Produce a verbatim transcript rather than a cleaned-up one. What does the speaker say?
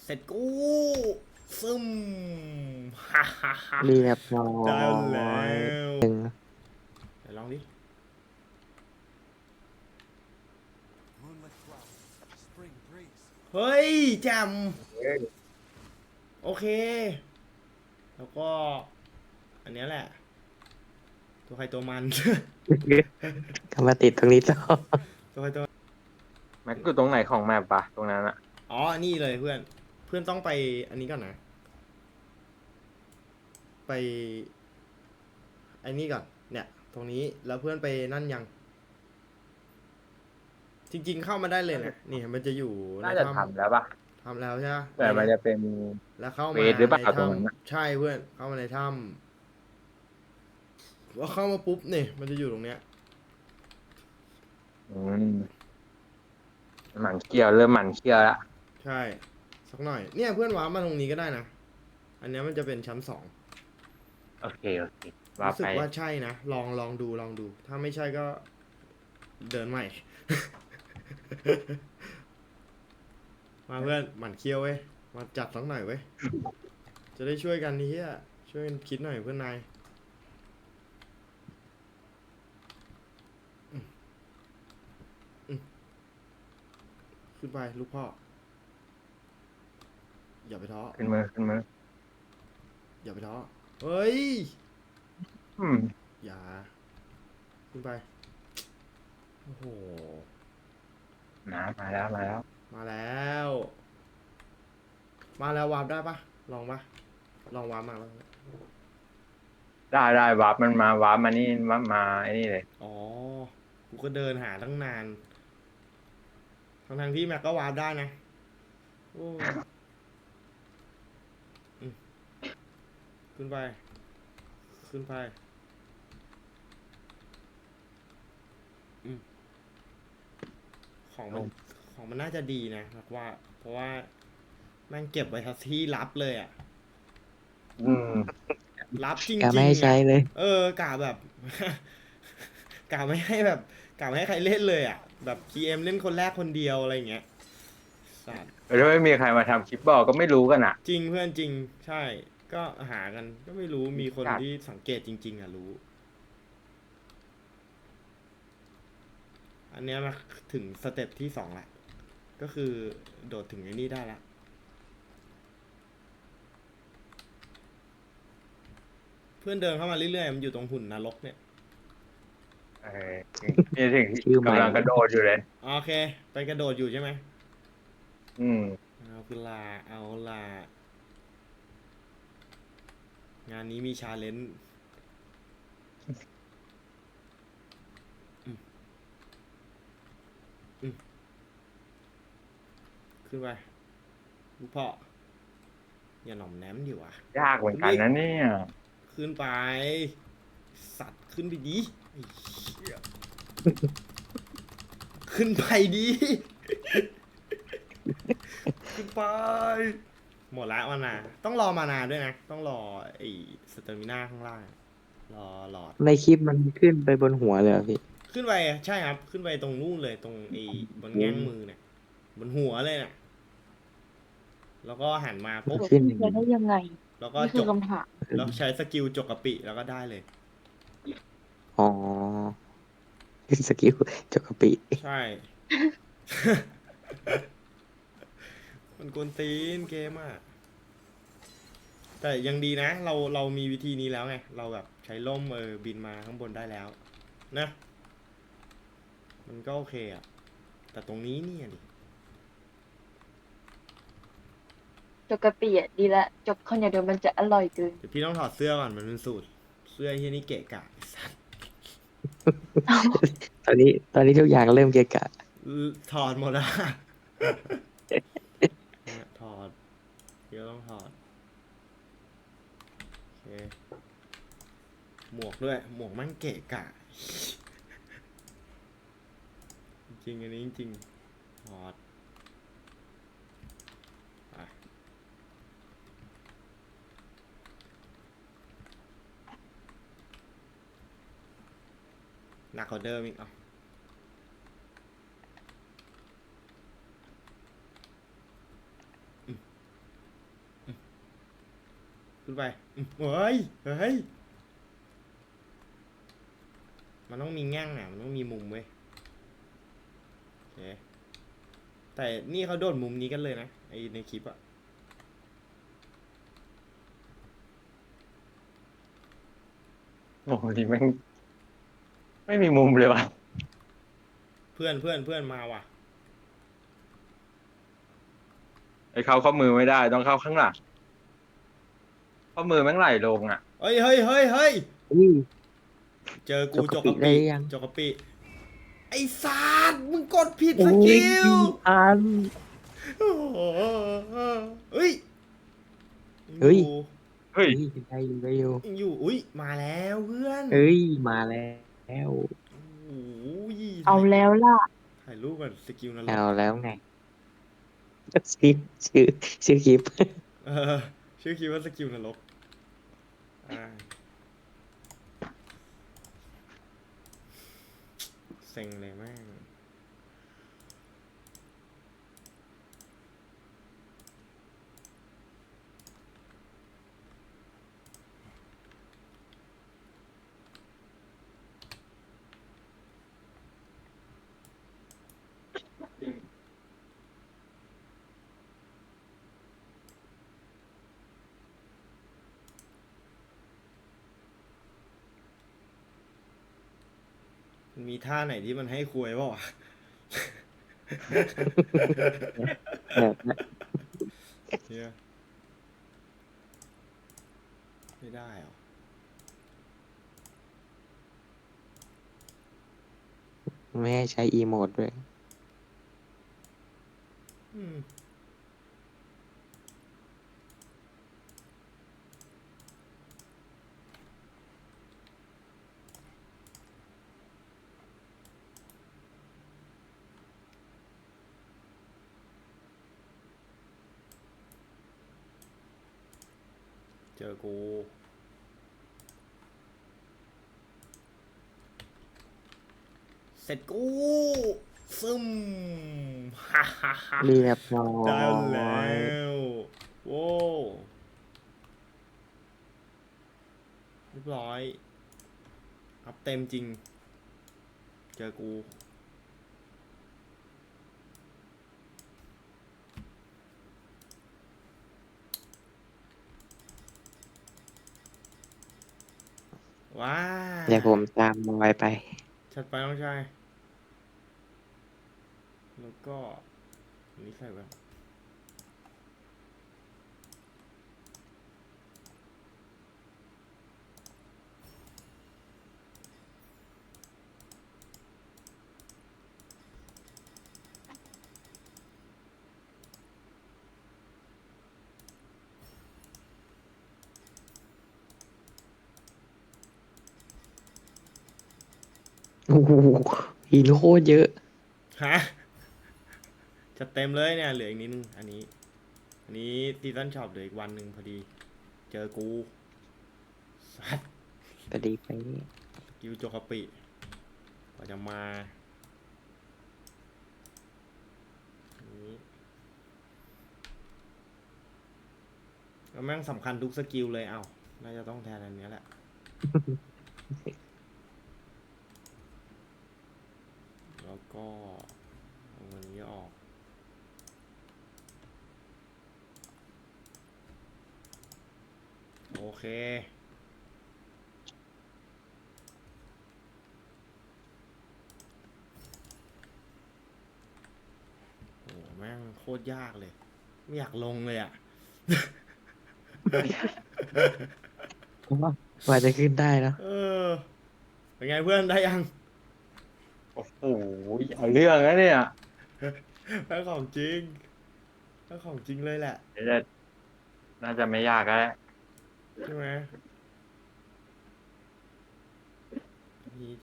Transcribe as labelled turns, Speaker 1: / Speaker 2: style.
Speaker 1: เสร็จกูซึมฮ่าฮ่าฮ่า
Speaker 2: เรียบร้อ
Speaker 1: ได้แล้
Speaker 2: ย
Speaker 1: ว
Speaker 2: หนึ่ง
Speaker 1: ไหนลองดิ เฮ้ยแจมโอเค แล้วก็ อันเนี้ยแหละ ตัวใครตัวมัน
Speaker 2: ก็มาติดตรงนี้ต่อ
Speaker 1: ตัวใครตัว
Speaker 3: แม็กอยู่ตรงไหนของแมปปะตรงนั้นอะ
Speaker 1: อ๋อ นี่เลยเพื่อน เพื่อนต้องไปอันนี้ก่อนนะ ไปไอ้นี่ก่อน เนี่ย ตรงนี้ แล้วเพื่อนไปนั่นยัง จริงๆเข้ามาได้เลยนะ นี่มันจะอยู่ใน
Speaker 3: น่าจะ
Speaker 1: ถ้
Speaker 3: ทำแล้วปะ
Speaker 1: ำทำแล้วใช่ไหม
Speaker 3: แต่มันจะเป็น
Speaker 1: แล้วเข้า
Speaker 3: เว
Speaker 1: มา
Speaker 3: ทหรือเปล่า
Speaker 1: ใน
Speaker 3: ตรงนั้นน่ะ
Speaker 1: ถ้ำใช่เพื่อน เข้ามาในถ้ำว่าเข้ามาปุ๊บเนี่ยมันจะอยู่ตรงเนี้ย
Speaker 3: อืมหมันเคี้ยวเริ่มหมันเคี้ยวละ
Speaker 1: ใช่ สักหน่อย เนี่ยเพื่อนว้าร์ปมาตรงนี้ก็ได้นะ อันเนี้ยมันจะเป็นชั้นสอง
Speaker 3: โอเคโอเคว่า
Speaker 1: รู้สึ
Speaker 3: ไป
Speaker 1: กว่าใช่นะ ลองลองดูลองดู ถ้าไม่ใช่ก็เดินใหม่ มาเพื่อนหมั่นเคี้ยวเว้ย มาจัดสักหน่อยเว้ย จะได้ช่วยกันนี่เฮียช่วยกันคิดหน่อยเพื่อนนายอืมอืมขึ้นไปลูกพ่อ อย่าไปท้อ
Speaker 3: ขึ้นมือขึ้นมือ
Speaker 1: อย่าไปท้อ เฮ้ย
Speaker 3: อืม
Speaker 1: อย่า ขึ้นไป โอ้โห
Speaker 3: นะมาแล้วมาแล้ว
Speaker 1: มาแล้ว มาแล้ววาร์ปได้ปะลองปะลองวาร์ปมาแล้ว
Speaker 3: ได้ได้วาร์ปมันมาวาร์ปมานี่มามาไอ้นี่เลย
Speaker 1: อ๋อ กูก็เดินหาตั้งนาน ทั้งทางๆที่แม็กก็วาร์ปได้นะ โอ้อืมขึ้นไป ขึ้นไปอืมของมัน ของมันน่าจะดีนะแม็กว่า เพราะว่าแม่งเก็บไว้ทัที่ลับเลยอะ
Speaker 3: อืม
Speaker 1: ลับจริง
Speaker 2: กา
Speaker 1: ๆ
Speaker 2: ไม่ให้ใช้
Speaker 1: อะ
Speaker 2: เลย
Speaker 1: เออกะแบบ กะไม่ให้แบบกะไม่ให้ใครเล่นเลยอ่ะ แบบ พี เอ็ม เล่นคนแรกคนเดียวอะไรอย่างเงี้ยสัตว์
Speaker 3: ถ้าไม่มีใครมาทำคลิปบอกก็ไม่รู้กันอ่ะ
Speaker 1: จริงเพื่อนจริง ใช่ ก็หากันก็ไม่รู้มีคน
Speaker 3: จัด
Speaker 1: ที่สังเกตจริง ๆ อ่ะรู้ อันเนี้ยมาถึงสเต็ปที่สองละก็คือโดดถึงไอ้นี่ได้ละเพื่อนเดินเข้ามาเรื่อยๆมันอยู่ตรงหุ่นนรกเนี่ย
Speaker 3: เออนี่ถึงที่
Speaker 2: ชื่อใหม่
Speaker 3: กำลังกระโดดอยู่เลย
Speaker 1: โอเค ไปกระโดดอยู่ใช่ไหม
Speaker 3: อืม
Speaker 1: เอาคือลาเอาลา งานนี้มีชาเลนจ์อืมอืมขึ้นไปลูกพ่อ อย่าหน่อมแนมอยู่อ่ะ
Speaker 3: ยากเหมือนกันนะเนี่ย
Speaker 1: ขึ้นไป สัตว์ขึ้นไปดีไอ้เหี้ยขึ้นไปดี ขึ้นไป หมดละมานา ต้องรอมานาด้วยนะ ต้องรอไอ้สเตอร์มิน่าข้างล่าง รอหลอด
Speaker 2: ในคลิปมันขึ้นไปบนหัวเลยเหรอพี่
Speaker 1: ขึ้นไปใช่ครับ ขึ้นไปตรงนู่นเลยตรงไอ้บนแง่งมือเนี่ยบนหัวเลยเนี่ยแล้วก็หันมาปุ๊บ
Speaker 2: ขึ้น
Speaker 4: จะได้ยังไง
Speaker 1: แล้วก็
Speaker 4: นี่
Speaker 1: จ
Speaker 4: คือก คำถาม
Speaker 1: แล้วใช้สกิลจกกะปิแล้วก็ได้เลย
Speaker 2: อ๋อสกิลจกกะปิ
Speaker 1: ใช่ มันกวนตีนเกมอ่ะ แต่ยังดีนะ เราเรามีวิธีนี้แล้วไง เราแบบใช้ล่มเออบินมาข้างบนได้แล้ว นะ มันก็โอเคอ่ะ แต่ตรงนี้เนี่ยดิ
Speaker 4: จกกะปิอ่ะดีละจกข้าวเหนียวเดี๋ยวมันจะอร่อยเกิน
Speaker 1: เดี๋ยวพี่ต้องถอดเสื้อก่อนมันเป็นสูตร เสื้อที่นี่เกะกะไอ้สัส
Speaker 2: ตอนนี้ตอนนี้ทุกอย่างเริ่มเกะกะ
Speaker 1: ถอดหมดอะเนี่ยถอดเดี๋ยวต้องถอด โอเค หมวกด้วย หมวกมันเกะกะ จริงๆอันนี้จริงๆถอดไปหนักกว่าเดิมอีกอ่ะขึ้นไปอืมเฮ้ยเฮ้ยมันต้องมีแง่งอ่ะมันต้องมีมุมเว้ยโอเคแต่นี่เขาโดดมุมนี้กันเลยนะไอในคลิปอะ
Speaker 3: โอ้โหนี่แม่งไม่มีมุมเลยว่ะ
Speaker 1: เพื่อนเพื่อนเพื่อนมาว่ะ
Speaker 3: ไอ้เข้าข้อมือไม่ได้ต้องเข้าข้างหลังข้อมือแม่งไหลลงอ่ะ
Speaker 1: เฮ้ยเฮ้ยเฮ้ยเฮ้ย
Speaker 2: อุ้ย
Speaker 1: เจอกู
Speaker 2: จ
Speaker 1: จ
Speaker 2: ก
Speaker 1: ก
Speaker 2: ก
Speaker 1: ก
Speaker 2: ระ
Speaker 1: ระ
Speaker 2: ปิได้
Speaker 1: ปิ
Speaker 2: ยัง
Speaker 1: จกกระปิไอ้สารมึงกดผิด
Speaker 2: โอ้
Speaker 1: ส
Speaker 2: ย
Speaker 1: กิล
Speaker 2: อัน
Speaker 1: โอ้โหเฮ้ย
Speaker 2: เฮ้ย
Speaker 3: เฮ้ย
Speaker 2: เฮ้ยได้อยู่ได้อยู่
Speaker 1: ยังอยู่อุ้ยมาแล้วเพื่อน
Speaker 2: เฮ้ยมาแล้ว
Speaker 1: โอ้ย
Speaker 4: เอาแล้วล่ะ
Speaker 1: ถ่ายรูปก่อนสกิลนร
Speaker 2: เอา
Speaker 1: ก
Speaker 2: แล้วไงชื่อชื่อชื่อคลิป
Speaker 1: เออชื่อคิดว่าสกิลนรกอ่าเซ็งเลยแม่ง มันมีท่าไหนที่มันให้คุยเปล่าวะ
Speaker 2: แบบนั้น
Speaker 1: เฮียไม่ได้เหรอ
Speaker 2: ไม่ให้ใช้อีโมดด้วย
Speaker 1: อืมเจอกู เสร็จกู ซึม ฮ่าฮ่าฮ่า
Speaker 2: เรียบร้อ
Speaker 1: ได้แล้
Speaker 2: ยว
Speaker 1: โว้วเรียบร้อย อัพเต็มจริง เจอกู ว้า
Speaker 2: เดี๋ยวผมตามมอยไป
Speaker 1: ชัดไปน้องชาย แล้วก็อันนี้ใส่ไว้
Speaker 2: โอ้โหหินโคตรเยอะ
Speaker 1: ฮะจะเต็มเลยเนี่ย เหลืออีกนิดนึง อันนี้ อันนี้ซีซันช็อปเหลืออีกวันหนึ่งพอดี เจอกูสัตว์
Speaker 2: พอดีไป
Speaker 1: กิวโจคาปิกว่าจะมาอันนี้แล้วแม่งสำคัญทุกสกิลเลย เอ้า น่าจะต้องแทนอันเนี้ยแหละ แล้วก็เอาอันนี้ออก โอเค โอ้แม่งโคตรยากเลย ไม่อยากลงเลยอ่ะ
Speaker 2: กว่าจะขึ้นได้เนอะ
Speaker 1: เออ เป็นไงเพื่อนได้ยัง
Speaker 3: โอ้โหเอาเรื่องนะเนี่ย
Speaker 1: ได้ของจริงได้ของจริงเลยแหละ
Speaker 3: เดี๋ยวจะน่าจะไม่ยากแล้ว
Speaker 1: ใช่ไหม